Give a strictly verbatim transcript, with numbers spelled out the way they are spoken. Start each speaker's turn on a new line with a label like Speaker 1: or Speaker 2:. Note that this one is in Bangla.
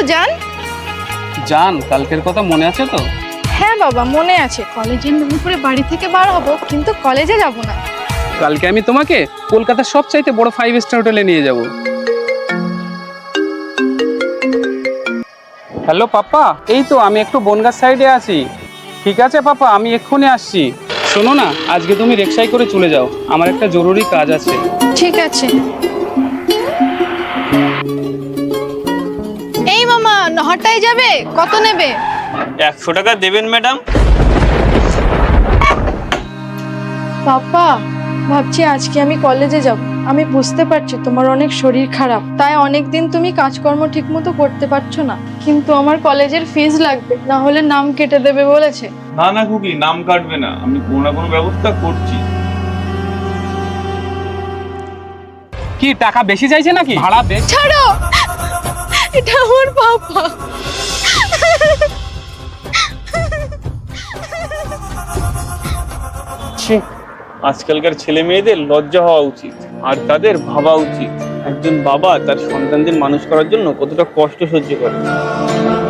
Speaker 1: জান।
Speaker 2: জান, কালকের কথা মনে আছে তো?
Speaker 1: হ্যাঁ বাবা, মনে আছে। কলেজের নাম করে বাড়ি থেকে বার হব, কিন্তু কলেজে যাব না।
Speaker 2: কালকে আমি তোমাকে কলকাতার সবচাইতে বড় ফাইভ স্টার হোটেলে নিয়ে যাব। হ্যালো পাপা, এই তো আমি একটু বনগাঁ সাইডে আছি। ঠিক আছে পাপা, আমি এক্ষুনি আসছি। শোনো না, আজকে তুমি রিকশায় করে চলে যাও, আমার একটা জরুরি কাজ আছে।
Speaker 1: ঠিক আছে। এই মামা, নহরটাই যাবে, কত নেবে?
Speaker 3: একশো টাকা দেবেন ম্যাডাম।
Speaker 1: পাপা, ভাবছি আজকে আমি কলেজে যাব। আমি বুঝতে পারছি তোমার অনেক শরীর খারাপ, তাই অনেকদিন তুমি কাজকর্ম ঠিক মতো করতে পারছো না, কিন্তু আমার কলেজের ফিস লাগবে, না হলে নাম কেটে দেবে বলেছে।
Speaker 4: না না খুকি, নাম কাটবে না, আমি কোনো না কোনো ব্যবস্থা করছি।
Speaker 2: কি টাকা বেশি চাইছে নাকি? ভাড়া বেশি?
Speaker 1: ছাড়ো, এটা আমার পাপা।
Speaker 3: আজকালকার ছেলে মেয়েদের লজ্জা হওয়া উচিত, আর তাদের ভাবা উচিত একজন বাবা তার সন্তানদের মানুষ করার জন্য কতটা কষ্ট সহ্য করে।